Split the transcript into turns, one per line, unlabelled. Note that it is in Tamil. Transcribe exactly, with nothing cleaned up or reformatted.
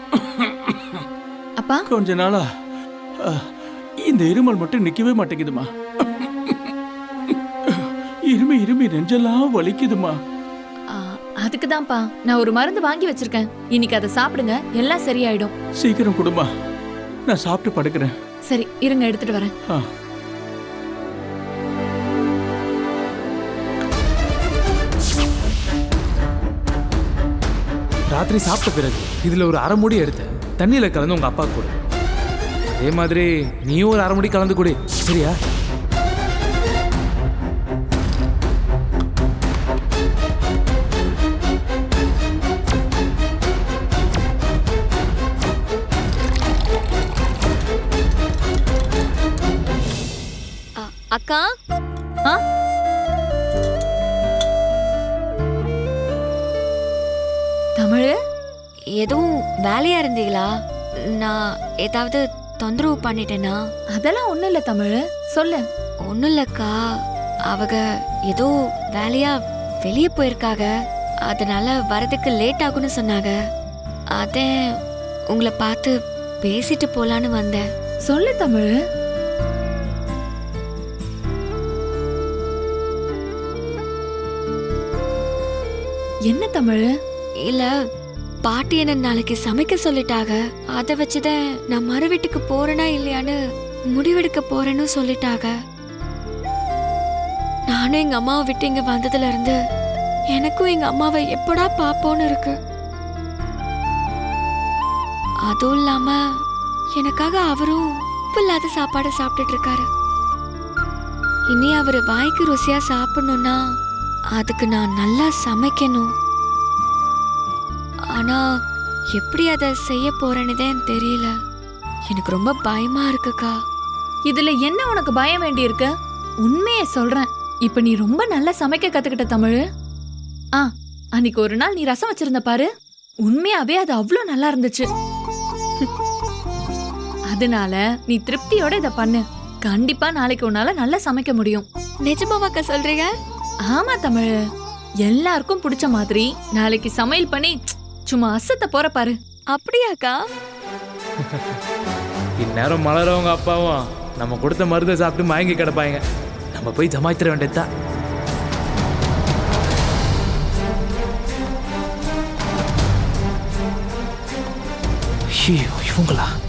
அப்பா
கொஞ்ச நாளா அஹ், இந்த இருமல் மட்டும் நிக்கவே மாட்டேங்குதுமா. இருமி இருமி நெஞ்செல்லாம் வலிக்குதுமா.
ஆ, அதுக்கு தான்ப்பா நான் ஒரு மருந்து வாங்கி வச்சிருக்கேன். இன்னைக்கு அதை சாப்பிடுங்க, எல்லாம் சரியாயிடும்.
சீக்கிரம் கொடுமா, நான் சாப்பிட்டு படுக்கிறேன்.
சரி இருங்க, எடுத்துட்டு வரேன்.
ஆ.
ராத்திரி சாப்பிட்ட பிறகு இதுல ஒரு அரை மூடி எடுத்து தண்ணியில கலந்து உங்க அப்பா கொடு. அதே மாதிரி நீயும் ஒரு அரை மூடி கலந்து கொடு, சரியா?
அக்கா,
ஆ தமிழ்,
எதுவும் வேலையா இருந்தீங்களா? நான் ஏதாவது தொந்தரவு பண்ணிட்டேனா?
அதெல்லாம் ஒண்ணும் இல்ல தமிழ், சொல்லு.
ஒன்றும் இல்லக்கா, அவங்க ஏதோ வேலையா வெளியே போயிருக்காங்க, அதனால வரதுக்கு லேட் ஆகும்னு சொன்னாங்க. அதே உங்களை பார்த்து பேசிட்டு போலான்னு வந்தேன்.
சொல்லு தமிழ். என்ன தமிழ்?
இல்ல, பாட்டி என்ன நாளைக்கு சமைக்க சொல்லிட்டாங்க. அதை வச்சுதான் நான் மறு வீட்டுக்கு போறேனா இல்லையான்னு முடிவெடுக்க போறேன்னு சொல்லிட்டாங்க. நானும் எங்க அம்மாவை விட்டு இங்க வந்ததுல இருந்து எனக்கும் எங்க அம்மாவை எப்படா பாப்போன்னு இருக்கு. அதுவும் இல்லாம எனக்காக அவரும் உப்பு இல்லாத சாப்பாடு சாப்பிட்டுட்டு இருக்காரு. இனி அவரு வாய்க்கு ருசியா சாப்பிடணும்னா அதுக்கு நான் நல்லா சமைக்கணும். ஆனா எப்படி அதை செய்ய போறேன்னு தெரியல. எனக்கு ரொம்ப பயமா இருக்குக்கா.
இதுல என்ன உனக்கு பயம் வேண்டி இருக்கு? உண்மையை சொல்றேன், இப்ப நீ ரொம்ப நல்லா சமைக்க கத்துக்கிட்ட தமிழ். ஆ, அன்னைக்கு ஒரு நாள் நீ ரசம் வச்சிருந்த பாரு, உண்மையாவே அது அவ்வளோ நல்லா இருந்துச்சு. அதனால நீ திருப்தியோட இத பண்ணு. கண்டிப்பா நாளைக்கு உன்னால நல்லா சமைக்க முடியும்.
நிஜமாவாக்கா சொல்றீங்க?
ஆமா தமிழ், எல்லாருக்கும் பிடிச்ச மாதிரி நாளைக்கு சமையல் பண்ணி சும்மா அசத்த போற பாரு.
அப்படியாக்கா?
இந்நேரம் மலரவங்க அப்பாவும் நம்ம கொடுத்த மருந்தை சாப்பிட்டு மயங்கி கிடப்பாங்க. நம்ம போய் ஜமாய்த்திர வேண்டியதுதான். ஐயோ, இவங்களா?